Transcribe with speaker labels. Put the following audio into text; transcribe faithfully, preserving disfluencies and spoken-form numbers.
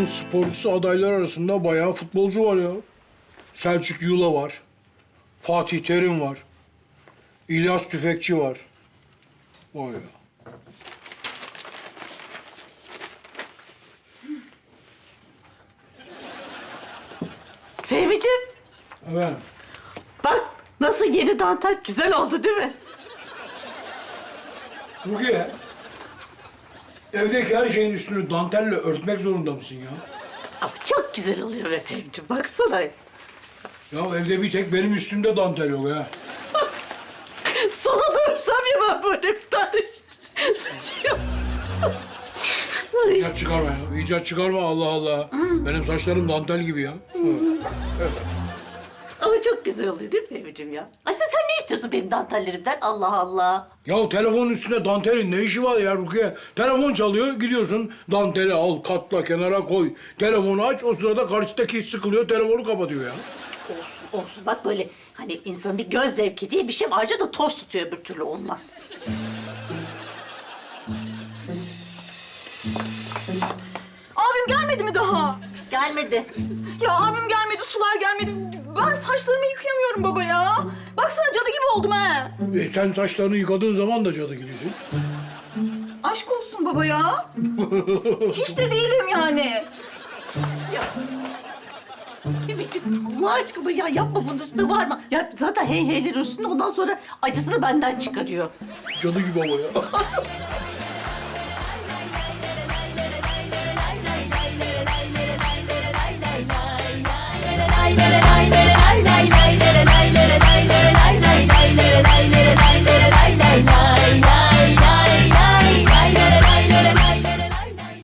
Speaker 1: sporcusu adaylar arasında bayağı futbolcu var ya. Selçuk Yula var. Fatih Terim var. İlyas Tüfekçi var. Vay ya.
Speaker 2: Fehmi'ciğim,
Speaker 1: Evet.
Speaker 2: bak nasıl yeni dantel güzel oldu değil mi?
Speaker 1: Rukiye, evdeki her şeyin üstünü dantelle örtmek zorunda mısın ya?
Speaker 2: Ama çok güzel oluyor be Fehmi'ciğim, baksana.
Speaker 1: Ya evde bir tek benim üstümde dantel yok ya.
Speaker 2: Sana da örsem ya ben böyle bir tane şey yapsam. Ay.
Speaker 1: İcat çıkarma ya. İcat çıkarma Allah Allah. Benim saçlarım dantel gibi ya.
Speaker 2: Ama çok güzel oluyor değil mi Fehmi'ciğim ya? Aslında sen ne istiyorsun benim dantellerimden? Allah Allah.
Speaker 1: Ya telefonun üstünde dantelin ne işi var ya Rukiye? Telefon çalıyor, gidiyorsun danteli al, katla, kenara koy. Telefonu aç, o sırada karşıdaki sıkılıyor, telefonu kapatıyor ya.
Speaker 2: Olsun, olsun. Bak böyle hani insanın bir göz zevki diye bir şey var. Ayrıca da toz tutuyor, öbür türlü olmaz.
Speaker 3: Abim gelmedi mi daha?
Speaker 2: Gelmedi.
Speaker 3: Ya abim gelmedi, sular gelmedi. Ben saçlarımı yıkayamıyorum baba ya. Baksana cadı gibi oldum ha.
Speaker 1: E, sen saçlarını yıkadığın zaman da cadı gibisin.
Speaker 3: Aşk olsun baba ya. Hiç de değilim yani.
Speaker 2: Ya. Fehmi'ciğim Allah aşkına ya yapma, bunun üstünde var mı? Ya zaten hey heyler üstünde, ondan sonra acısını benden çıkarıyor.
Speaker 1: Cadı gibi ama ya.